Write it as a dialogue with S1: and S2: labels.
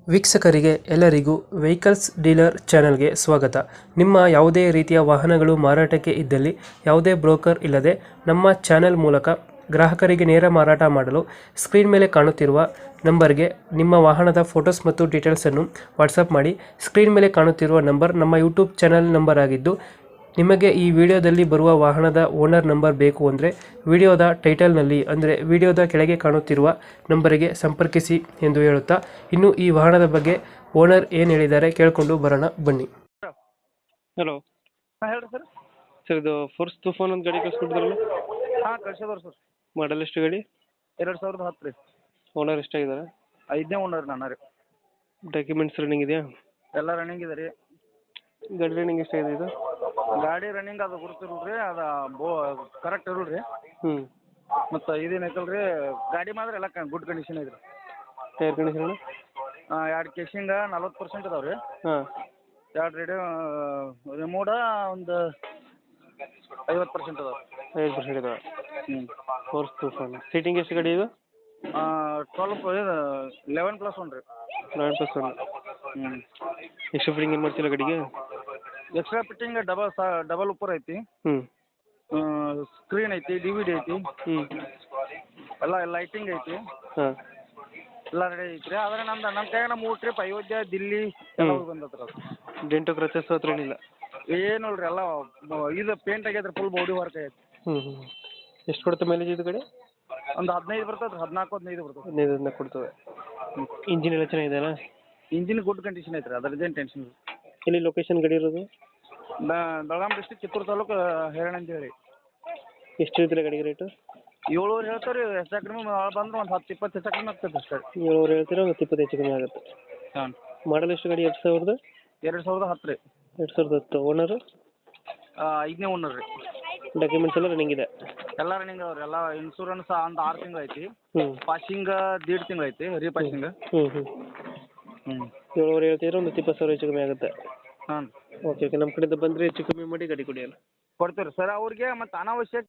S1: ವೀಕ್ಷಕರಿಗೆ ಎಲ್ಲರಿಗೂ vehicles dealer ಚಾನೆಲ್ಗೆ ಸ್ವಾಗತ. ನಿಮ್ಮ ಯಾವುದೇ ರೀತಿಯ ವಾಹನಗಳು ಮಾರಾಟಕ್ಕೆ ಇದ್ದಲ್ಲಿ ಯಾವುದೇ ಬ್ರೋಕರ್ ಇಲ್ಲದೆ ನಮ್ಮ ಚಾನೆಲ್ ಮೂಲಕ ಗ್ರಾಹಕರಿಗೆ ನೇರ ಮಾರಾಟ ಮಾಡಲು ಸ್ಕ್ರೀನ್ ಮೇಲೆ ಕಾಣುತ್ತಿರುವ ನಂಬರ್ಗೆ ನಿಮ್ಮ ವಾಹನದ ಫೋಟೋಸ್ ಮತ್ತು ಡೀಟೇಲ್ಸನ್ನು ವಾಟ್ಸಪ್ ಮಾಡಿ. ಸ್ಕ್ರೀನ್ ಮೇಲೆ ಕಾಣುತ್ತಿರುವ ನಂಬರ್ ನಮ್ಮ ಯೂಟ್ಯೂಬ್ ಚಾನೆಲ್ ನಂಬರ್ ಆಗಿದ್ದು, ನಿಮಗೆ ಈ ವಿಡಿಯೋದಲ್ಲಿ ಬರುವ ವಾಹನದ ಓನರ್ ನಂಬರ್ ಬೇಕು ಅಂದರೆ ವಿಡಿಯೋದ ಟೈಟಲ್ನಲ್ಲಿ ಅಂದರೆ ವಿಡಿಯೋದ ಕೆಳಗೆ ಕಾಣುತ್ತಿರುವ ನಂಬರಿಗೆ ಸಂಪರ್ಕಿಸಿ ಎಂದು ಹೇಳುತ್ತಾ, ಇನ್ನು ಈ ವಾಹನದ ಬಗ್ಗೆ ಓನರ್ ಏನು ಹೇಳಿದ್ದಾರೆ ಕೇಳಿಕೊಂಡು ಬರೋಣ ಬನ್ನಿ. ಹಲೋ
S2: ಹಾಂ ಹೇಳ್ರಿ ಸರ್.
S1: ಸರ್, ಇದು ಫೋರ್ಸ್ ತುಫಾನ್ ಒಂದು ಗಾಡಿ ಕಳಿಸ್ಕೊಟ್ಟಿದ್ರಲ್ಲ,
S2: ಹಾಂ ಕಳ್ಸಿದವ್ರಿ ಸರ್.
S1: ಮಾಡಲ್ ಎಷ್ಟು ಗಾಡಿ?
S2: 2010 ರೀ.
S1: ಓನರ್ ಎಷ್ಟಾಗಿದ್ದಾರೆ?
S2: 5ನೇ ಓನರ್ ನಾನು ರೀ.
S1: ಡಾಕ್ಯುಮೆಂಟ್ಸ್ ರನ್ನಿಂಗ್ ಇದೆಯಾ?
S2: ಎಲ್ಲ ರನ್ನಿಂಗ್ ಇದೆ ರೀ.
S1: ಗಾಡಿ ರನ್ನಿಂಗ್ ಎಷ್ಟಾಗಿದೆ ಇದು?
S2: ಗಾಡಿ ರನ್ನಿಂಗ್ ಅದು ಗುರುತಿರಲ್ಲ ರೀ, ಅದು ಕರೆಕ್ಟ್ ಇರಲ್ಲ ರೀ.
S1: ಹ್ಞೂ.
S2: ಮತ್ತು ಇದೇನೈತಲ್ಲ ರೀ, ಗಾಡಿ ಮಾತ್ರ ಎಲ್ಲ ಗುಡ್ ಕಂಡೀಷನ್ ಇದೆ ರೀ.
S1: Tyre condition?
S2: 2 ಕೇಸಿಂಗ 40% ಇದಾವೆ ರೀ.
S1: ಹಾಂ.
S2: 2 ರಿಮೋಡ ಒಂದು 50% ಇದಾವೆ.
S1: 5% ಇದಾವೆ.
S2: ಹ್ಞೂ.
S1: ಫೋರ್ಸ್ ತುಫಾನ್ ಸೀಟಿಂಗ್ ಎಷ್ಟು ಗಾಡಿ ಇದು?
S2: 11+1 ರೀ.
S1: 11+1.
S2: ಹ್ಞೂ.
S1: ಎಕ್ಸ್ಟ್ರಾ ಫಿಟ್ಟಿಂಗ್ ಏನು ಮಾಡ್ತಿಲ್ಲ ಗಾಡಿಗೆ?
S2: ಎಕ್ಸ್ಟ್ರಾ ಫಿಟ್ಟಿಂಗ್ ಡಬಲ್ ಉಪ್ಪರ್ ಐತಿ.
S1: ಹ್ಞೂ.
S2: ಸ್ಕ್ರೀನ್ ಐತಿ, DVD ಐತಿ,
S1: ಹ್ಞೂ.
S2: ಎಲ್ಲ ಲೈಟಿಂಗ್ ಐತಿ,
S1: ಹಾಂ.
S2: ಎಲ್ಲ ರೆಡಿ ಐತಿ ರೀ. ಆದರೆ ನಮ್ಮ ಕೈಯಾಗ 3 ಟ್ರಿಪ್ ಅಯೋಧ್ಯ, ದಿಲ್ಲಿ ಎಲ್ಲ ಹೋಗಿ ಬಂದತ್ರ.
S1: ಡೆಂಟು ಕ್ರಚಸ್ ಹತ್ರ ಏನಿಲ್ಲ?
S2: ಏನು ರೀ, ಎಲ್ಲ ಇದು ಪೇಂಟ್ ಆಗೈತೆ ರೀ, ಫುಲ್ ಬಾಡಿ ವರ್ಕ್ ಆಗೈತೆ.
S1: ಹ್ಞೂ ಹ್ಞೂ. ಎಷ್ಟು ಕೊಡುತ್ತೆ ಮೈಲೇಜ್ ಇದು ಗಾಡಿ?
S2: ಒಂದು 15 ಬರ್ತದೆ ರೀ, 14-15 ಬರ್ತದೆ.
S1: 15 ಕೊಡ್ತದೆ. ಇಂಜಿನ್ ಎಲ್ಲ ಚೆನ್ನಾಗಿದೆಯಲ್ಲ?
S2: ಇಂಜಿನ್ ಗುಡ್ ಕಂಡೀಷನ್ ಐತೆ ರೀ, ಅದ್ರದ್ದೇನು ಟೆನ್ಷನ್ ಇಲ್ಲ.
S1: ಎಲ್ಲಿ ಲೊಕೇಶನ್ ಗಾಡಿ ಇರೋದು?
S2: ಬೆಳಗಾಂ ಡಿಸ್ಟ್ರಿಕ್ಟ್, ಕಿತ್ತೂರು ತಾಲೂಕು, ಹೇರಣ ಅಂತ ಹೇಳಿ.
S1: ಎಷ್ಟು ಹೇಳ್ತೀರಾ ಗಾಡಿಗೆ ರೇಟು?
S2: 7 ಹೇಳ್ತಾರೆ ರೀ. ಹೆಚ್ಚು ಕಡಿಮೆ ಬಂದ್ರೆ ಒಂದು 10-20 ಹೆಚ್ಚು ಕಡಿಮೆ ಆಗ್ತದೆ ಅಷ್ಟೇ.
S1: 7 ಹೇಳ್ತೀರಾ, ಒಂದು 20 ಹೆಚ್ಚು ಕಮ್ಮಿ ಆಗುತ್ತೆ.
S2: ಹಾಂ.
S1: ಮಾಡಲ್ ಎಷ್ಟು ಗಾಡಿ? 2000?
S2: 2010 ರೀ.
S1: 2010. ಓನರು?
S2: 5ನೇ ಓನರ್ ರೀ.
S1: ಡಾಕ್ಯುಮೆಂಟ್ಸ್ ಎಲ್ಲ ರನ್ನಿಂಗ್ ಇದೆ?
S2: ಎಲ್ಲ ರನ್ನಿಂಗ್ ಅವ್ರಿ. ಎಲ್ಲ ಇನ್ಶೂರೆನ್ಸ್ ಒಂದು 6 ತಿಂಗಳು ಐತಿ.
S1: ಹ್ಞೂ.
S2: ಪಾಸಿಂಗ್ 1.5 ತಿಂಗಳು ಐತಿ, ರೀಪಾಸಿಂಗ್.
S1: ಹ್ಞೂ ಹ್ಞೂ.
S2: ಹ್ಞೂ.
S1: 7 ಹೇಳ್ತೀರಾ, ಒಂದು 20,000 ಹೆಚ್ಚು ಕಮ್ಮಿ ಆಗುತ್ತೆ.
S2: ಹಾಂ.
S1: Okay okay. ನಮ್ಮ ಕಡೆಯಿಂದ ಬಂದರೆ ಹೆಚ್ಚು ಕಮ್ಮಿ ಮಾಡಿ ಗಾಡಿ ಕೊಡಿ ಅಲ್ಲ.
S2: ಕೊಡ್ತೀವಿ ರೀ ಸರ್. ಅವ್ರಿಗೆ ಮತ್ತು ಅನಾವಶ್ಯಕ